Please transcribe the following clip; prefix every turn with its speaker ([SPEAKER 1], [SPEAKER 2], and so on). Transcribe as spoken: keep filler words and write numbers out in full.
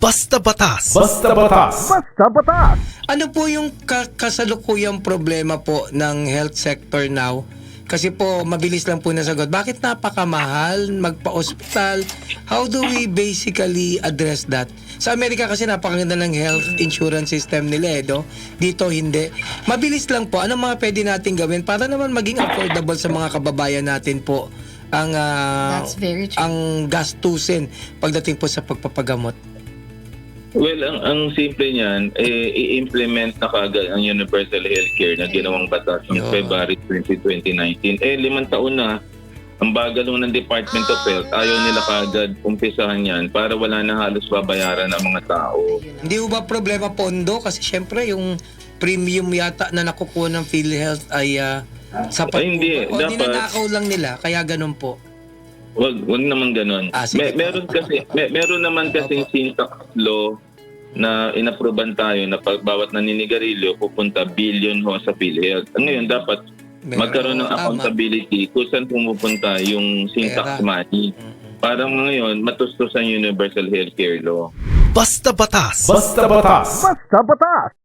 [SPEAKER 1] Basta Batas.
[SPEAKER 2] Basta Batas.
[SPEAKER 3] Basta Batas!
[SPEAKER 4] Ano po yung ka- kasalukuyang problema po ng health sector now? Kasi po, mabilis lang po nasagot. Bakit napakamahal magpa-ospital? How do we basically address that? Sa Amerika kasi napakaganda ng health insurance system nila eh, no? Dito hindi. Mabilis lang po. Anong mga pwede natin gawin para naman maging affordable sa mga kababayan natin po ang ah,
[SPEAKER 5] That's very true.
[SPEAKER 4] ang gastusin pagdating po sa pagpapagamot?
[SPEAKER 6] Well, ang, ang simple niyan, eh, i-implement na kagad ang Universal Healthcare na ginawang batas noong
[SPEAKER 4] Yeah.
[SPEAKER 6] February twentieth, twenty nineteen. Eh, limang taon na, ang bagal ng Department of Health, ayaw nila kagad umpisahan yan para wala na halos babayaran ng mga tao.
[SPEAKER 4] Hindi ho ba problema pondo? Kasi syempre yung premium yata na nakukuha ng PhilHealth ay ah, sapat
[SPEAKER 6] Ay, hindi.
[SPEAKER 4] po ba? O
[SPEAKER 6] Dapat-
[SPEAKER 4] ninanakaw lang nila, kaya ganun po.
[SPEAKER 6] Wag, wag naman ganun.
[SPEAKER 4] Ah, sige
[SPEAKER 6] Me-
[SPEAKER 4] po.
[SPEAKER 6] meron kasi me- meron naman kasing syntax law na inaproban tayo na pag bawat naninigarilyo pupunta billion ho sa PhilHealth. Ngayon dapat
[SPEAKER 4] Meron,
[SPEAKER 6] magkaroon ng
[SPEAKER 4] tama.
[SPEAKER 6] accountability kung saan pumupunta yung syntax
[SPEAKER 4] Pera.
[SPEAKER 6] money. Parang ngayon matustos ang Universal Healthcare Law.
[SPEAKER 1] Basta Batas.
[SPEAKER 2] Basta Batas.
[SPEAKER 3] Basta Batas!